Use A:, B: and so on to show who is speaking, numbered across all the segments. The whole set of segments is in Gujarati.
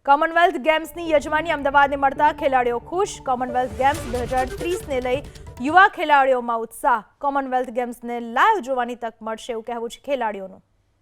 A: કોમનવેલ્થ ગેમ્સની યજમાની અમદાવાદને મળતા ખેલાડીઓ ખુશ. કોમનવેલ્થ ગેમ્સ 2030ને લઈ યુવા ખેલાડીઓમાં ઉત્સાહ. કોમનવેલ્થ ગેમ્સને લાઈવ જોવાની તક મળશે એવું કહેવું છે ખેલાડીઓનું.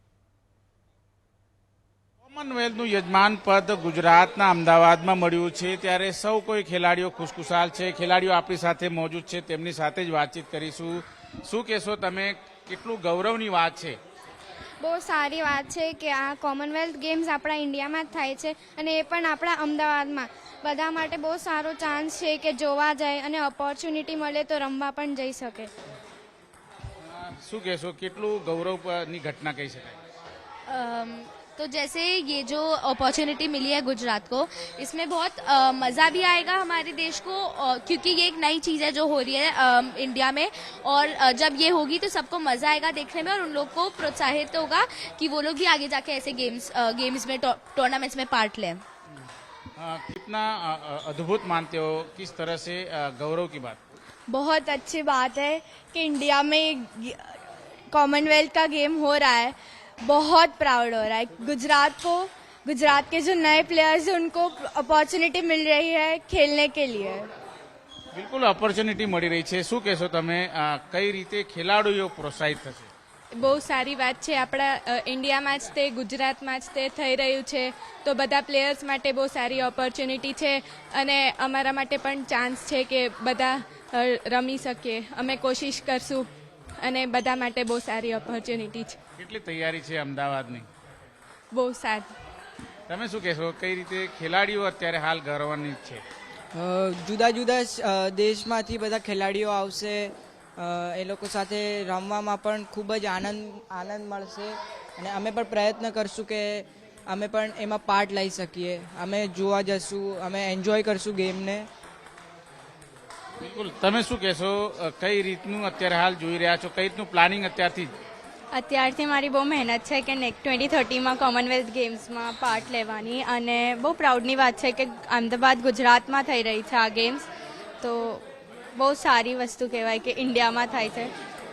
B: કોમનવેલ્થનું યજમાન પદ ગુજરાતના અમદાવાદમાં મળ્યું છે ત્યારે સૌ કોઈ ખેલાડીઓ ખુશખુશાલ છે. ખેલાડીઓ આપણી સાથે મોજૂદ છે, તેમની સાથે જ વાતચીત કરીશું. શું કહેશો તમે, કેટલું ગૌરવની વાત છે?
C: બહુ સારી વાત છે કે આ કોમનવેલ્થ ગેમ્સ આપણા ઇન્ડિયામાં જ થાય છે અને એ પણ આપણા અમદાવાદમાં. બધા માટે બહુ સારો ચાન્સ છે કે જોવા જાય અને ઓપોર્ચ્યુનિટી મળે તો રમવા પણ જઈ શકે.
B: શું કહેશો, કેટલું ગૌરવની ઘટના કહી શકાય?
D: तो जैसे ये जो अपॉर्चुनिटी मिली है गुजरात को, इसमें बहुत मज़ा भी आएगा हमारे देश को, क्योंकि ये एक नई चीज़ है जो हो रही है इंडिया में, और जब ये होगी तो सबको मज़ा आएगा देखने में और उन लोग को प्रोत्साहित होगा कि वो लोग भी आगे जाके ऐसे गेम्स में टूर्नामेंट्स में पार्ट लें.
B: कितना अद्भुत मानते हो, किस तरह से गौरव की बात?
C: बहुत अच्छी बात है कि इंडिया में कॉमनवेल्थ का गेम हो रहा है. बहुत प्राउड हो रहा है. गुजरात के जो नए प्लेयर्स हैं उनको अपॉर्चुनिटी मिल रही है खेलने के लिए.
B: બિલકુલ ઓપોર્ચ્યુનિટી મળી રહી છે. શું કહેશો તમે, કઈ રીતે ખેલાડીઓ પ્રોત્સાહિત થશે?
E: બહુ સારી વાત છે. આપણા ઇન્ડિયામાં જ તે, ગુજરાતમાં જ તે થઈ રહ્યું છે તો બધા પ્લેયર્સ માટે બહુ સારી ઓપોર્ચ્યુનિટી છે અને અમારા માટે પણ ચાન્સ છે કે બધા રમી શકીએ. અમે કોશિશ કરશું અને બધા માટે બહુ સારી ઓપોર્ચ્યુનિટી છે.
B: કેટલી તૈયારી છે અમદાવાદની?
E: બહુ સારી.
B: તમે શું કહેશો, કઈ રીતે ખેલાડીઓ અત્યારે હાલ ગૌરવની છે?
F: જુદા જુદા દેશમાંથી બધા ખેલાડીઓ આવશે. એ લોકો સાથે રમવામાં પણ ખૂબ જ આનંદ મળશે અને અમે પણ પ્રયત્ન કરશું કે અમે પણ એમાં પાર્ટ લઈ શકીએ. અમે જોવા જશું, અમે એન્જોય કરશું ગેમને.
B: બિલકુલ. તમે શું કહેશો, કઈ રીતનું અત્યારે હાલ જોઈ રહ્યા છો, કઈ રીતનું પ્લાનિંગ
E: અત્યારથી મારી બહુ મહેનત છે કે નેક્સ્ટ 2030માં કોમનવેલ્થ ગેમ્સમાં પાર્ટ લેવાની, અને બહુ પ્રાઉડની વાત છે કે અમદાવાદ ગુજરાતમાં થઈ રહી છે આ ગેમ્સ. તો બહુ સારી વસ્તુ કહેવાય કે ઇન્ડિયામાં થાય છે.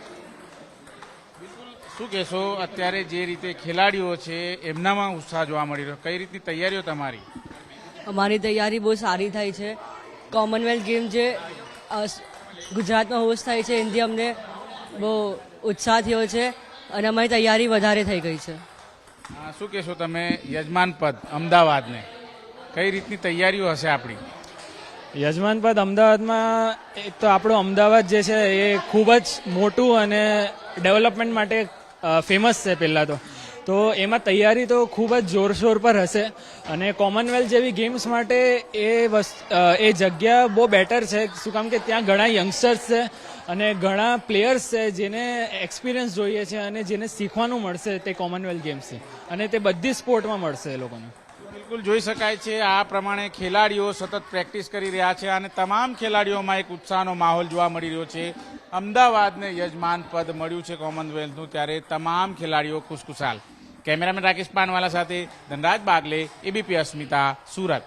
B: શું કહેશો, અત્યારે જે રીતે ખેલાડીઓ છે એમનામાં ઉત્સાહ જોવા મળી રહ્યો, કઈ રીતની તૈયારીઓ તમારી?
G: અમારી તૈયારી બહુ સારી થઈ છે. કોમનવેલ્થ ગેમ જે ગુજરાતમાં હોસ્ટ થાય છે એનાથી અમને બહુ ઉત્સાહ થયો છે અને અમારી તૈયારી વધારે થઈ ગઈ છે.
B: શું કહેશો તમે, યજમાન પદ અમદાવાદને કઈ રીતની તૈયારીઓ હશે આપણી?
H: યજમાન પદ અમદાવાદમાં એક તો આપણું અમદાવાદ જે છે એ ખૂબ જ મોટું અને ડેવલપમેન્ટ માટે ફેમસ છે પહેલાં તો એમાં તૈયારી તો ખૂબ જ જોરશોર પર હશે અને કોમનવેલ્થ જેવી ગેમ્સ માટે એ જગ્યા બહુ બેટર છે. શું કામ કે ત્યાં ઘણા યંગસ્ટર્સ છે અને ઘણા પ્લેયર્સ છે જેને એક્સપિરિયન્સ જોઈએ છે અને જેને શીખવાનું મળશે તે કોમનવેલ્થ ગેમ્સથી, અને તે બધી સ્પોર્ટમાં મળશે એ લોકોને.
B: બિલકુલ જોઈ શકાય છે આ પ્રમાણે ખેલાડીઓ સતત પ્રેક્ટિસ કરી રહ્યા છે અને તમામ ખેલાડીઓમાં એક ઉત્સાહનો માહોલ જોવા મળી રહ્યો છે. અમદાવાદને યજમાન પદ મળ્યું છે કોમનવેલ્થનું, ત્યારે તમામ ખેલાડીઓ ખુશખુશાલ. કેમેરામેન રાકેશ પાનવાલા સાથે ધનરાજ બાગલે, એબીપી અસ્મિતા, સુરત.